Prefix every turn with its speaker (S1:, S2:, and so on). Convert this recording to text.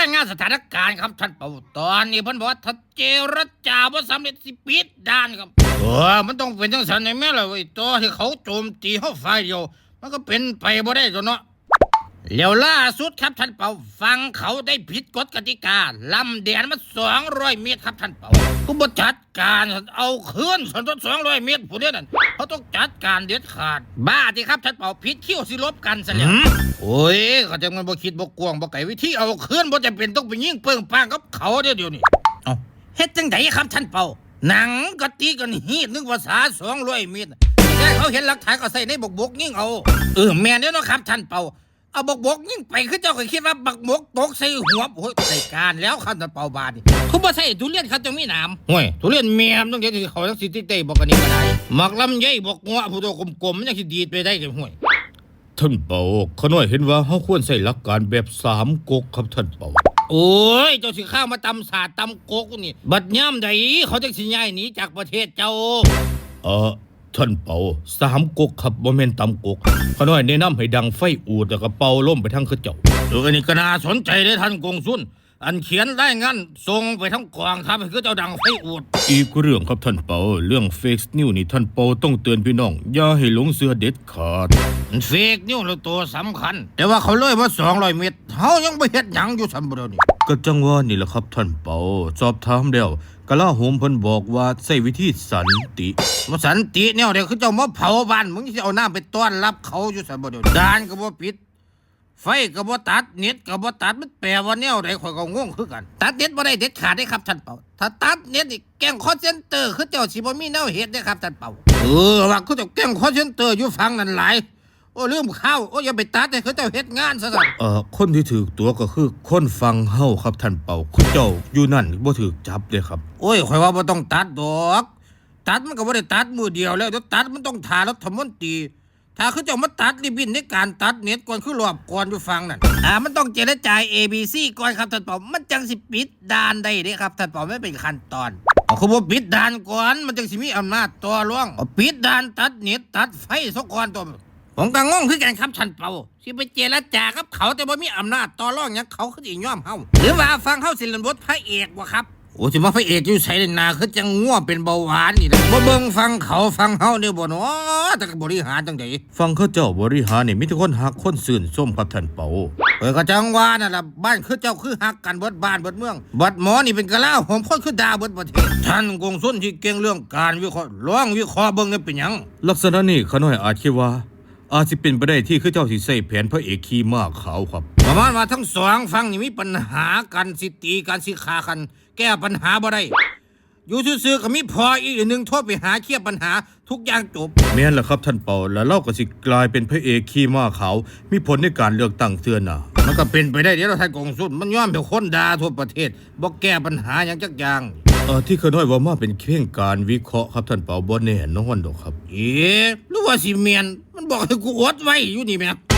S1: งานสถานการณ์ครับท่านเป่าตอนนี้เพิ่นบอกว่าถ้าเจรจาบ่สำเร็จสิปิดด่านครับมันต้องเป็นจังซั่นได้แม่ล่ะเว้ยตัวที่เขาโจมตีเฮาฝ่ายเดียวมันก็เป็นไปบ่ได้ตัวเนาะแล้วล่าสุดครับท่านเป่าฟังเขาได้ผิดกฎกติกาลำแดนมัน200 เมตรครับท่านเป่าก็บ่จัดการเอาคืนสันต้น200 เมตรผู้เดียวนั่นเขาต้องจัดการเด็ดขาดบ้าที่ครับท่านเป่าผิดคิวสิลบกันซะแล้วโอ้ยเขาจะมันบ่คิดบ่กวางบ่ไกลวิธีเอาคืนบ่จำเป็นต้องไปยิงเปิ้งป้างกับเขาเดี๋ยวนี้เอาเฮ็ดจังไดครับท่านเป่าหนังก็ตีกันฮีดนึงภาษา200 เมตรแต่เขาเห็นหลักฐานก็ใส่ในบกยิงเอาแม่นเด้อเนาะครับท่านเป่าเอาบกยิ่งไปคือเจ้าก็คิดว่าบักบกตกใส่หัวโอ้ยใส่การแล้วคันตะเป่าบาดนี่เขาบ่ใส่ทุเรียนเขาจะมีหนามห่วยทุเรียนเมียมต้องเฮ็ดให้เขาจังสิติเตบอกกันนี่ก็ได้หมักลำไยบอกงัวผู้โตกลมๆมันจังสิดีดไปได้จังห่วย
S2: ท่านเปาขน้อยเห็นว่าเฮาควรใช้หลักการแบบ3ก๊กครับท่านเปา
S1: โอ้ยเจ้าสิข้าวมาตำสาดตำกกนี่บัดย่ำใดเขาจังสิย้ายหนีจากประเทศเจ้า
S2: ท่านเปา3ก๊กครับบ่แม่นตำก๊กขน้อยแนะนำให้ดังไฟอูดแล้วก็เป่าลมไปทางเขาเจ้า
S1: อันนี้ก็น่าสนใจเด้อท่านกงสุนอันเขียนได้งั้นส่งไปทั้งกองทัพให้คือเจ้าดังไฟอูด
S2: อีกเรื่องครับท่านเปาเรื่องเฟกนิวนี่ท่านเปาต้องเตือนพี่น้องอย่าให้หลงเสือเด็ดขาด
S1: เฟกนิวแล้วตัวสำคัญแต่ว่าเขาเลยว่า200 เมตรเฮายังบ่เฮ็ดหยังอยู่ซั่นบ่เดี๋ยวนี้
S2: ก็จังว่านี่แหละครับท่านเปาสอบถามแล้วกลาโหมเพิ่นบอกว่าใช้วิธีสันติ
S1: ว่าสันติแนวเดียวคือเจ้ามาเผาบ้านมึงสิเอาน้ำไปต้อนรับเขาอยู่ซั่นบ่เดี๋ยวด่านก็บ่ปิดไฟก็บ่ตัดเน็ตก็บ่ตัดมันแปลว่าแนวใดข่อยก็งงคือกันตัดเน็ตบ่ได้เด็ดขาดได้ครับท่านเปาถ้าตัดเน็ตนี่แก๊งคอลเซ็นเตอร์คือเจ้าสิบ่มีแนวเฮ็ดได้ครับท่านเปาว่าคือเจ้าแก๊งคอลเซ็นเตอร์อยู่ฝั่งนั้นหลายโอ้ลืมข้าวโอ้อย่าไปตัดให้เขาเจ้าเฮ็ดงานซะซั่น
S2: คนที่ถูกตัวก็คือคนฟังเฮาครับท่านเปาคุณเจ้าอยู่นั่นบ่ถูกจับเด้ครับ
S1: โอ้ยข่อยว่าบ่ต้องตัดดอกตัดมันก็บ่ได้ตัดมือเดียวแล้วเดี๋ยวตัดมันต้องท่ารัฐมนตรีถ้าเขาเจ้ามาตัดริบบิ้นในการตัดเน็ตก่อนคือรอบก่อนอยู่ฟังนั่นมันต้องเจรจา ABC ก่อนครับท่านเปามันจังสิปิดด่านได้เด้ครับท่านเปาไม่เป็นขั้นตอนคือบ่ปิดด่านก่อนมันจังสิมีอำนาจต่อรองปิดด่านตัดเน็ตตัดไฟซะก่อนตัวผมก็งงคือกันครับท่านเปาสิไปเจรจากับเขาแต่บ่มีอำนาจต่อรองหยังเขาคือสิยอมเฮาหรือว่าฟังเฮาสิเล่นบทพระเอกบ่ครับโอ้สิมาพระเอกอยู่ไสนาคือจังง่วเป็นเบาหวานนี่แหละบ่เบิ่งฟังเขาฟังเฮาเนี่ยบ่เนาะแต่ก็บริหารจังได๋
S2: ฟังเขาเจ้าบริหารนี่มีแต่คนฮักคนซื่นชมครับท่านเปา
S1: ก็จังว่านั่นล่ะบ้านคือเจ้าคือฮักกันเบิดบ้านเบิดเมืองบัดหมอนี่เป็นกะลาหอมคนคือด่าเบิดประเทศท่านกงสุนที่เก่งเรื่องการวิเคราะห์ลองวิเคราะห์เบิ่งนี่เป็นหยัง
S2: ลักษณะนี้ขน้อยอาจคิดว่าอาจสิเป็นไปได้ที่คือเจ้าสิใส่แผนพระเอกขี่ม้าขาวครับ
S1: ประมาณว่าทั้งสองฝั่งนี่มีปัญหากันสิตีกันสิฆ่ากันแก้ปัญหาบ่ได้อยู่ซื่อๆก็มีพออีกหนึ่งโทษไปหาเคลียร์ปัญหาทุกอย่างจบ
S2: แม่นล่ะครับท่านเปาแล้วเราก็สิกลายเป็นพระเอกขี่ม้าขาวมีผลในการเลือกตั้งเทื่อหน้า
S1: มันก็เป็นไปได้เดี๋ยวท่านกงสุนมันย้อมเป็นคนด่าทั่วประเทศบ่แก้ปัญหาหยังจักอย่าง
S2: ที่ขน้อยว่ามาเป็นเพียงการวิเคราะห์ครับท่านเปาบ่แน่นอนดอกครับ
S1: หรือว่าสิเมียนมันบอกให้กูอดไว้อยู่นี่แม่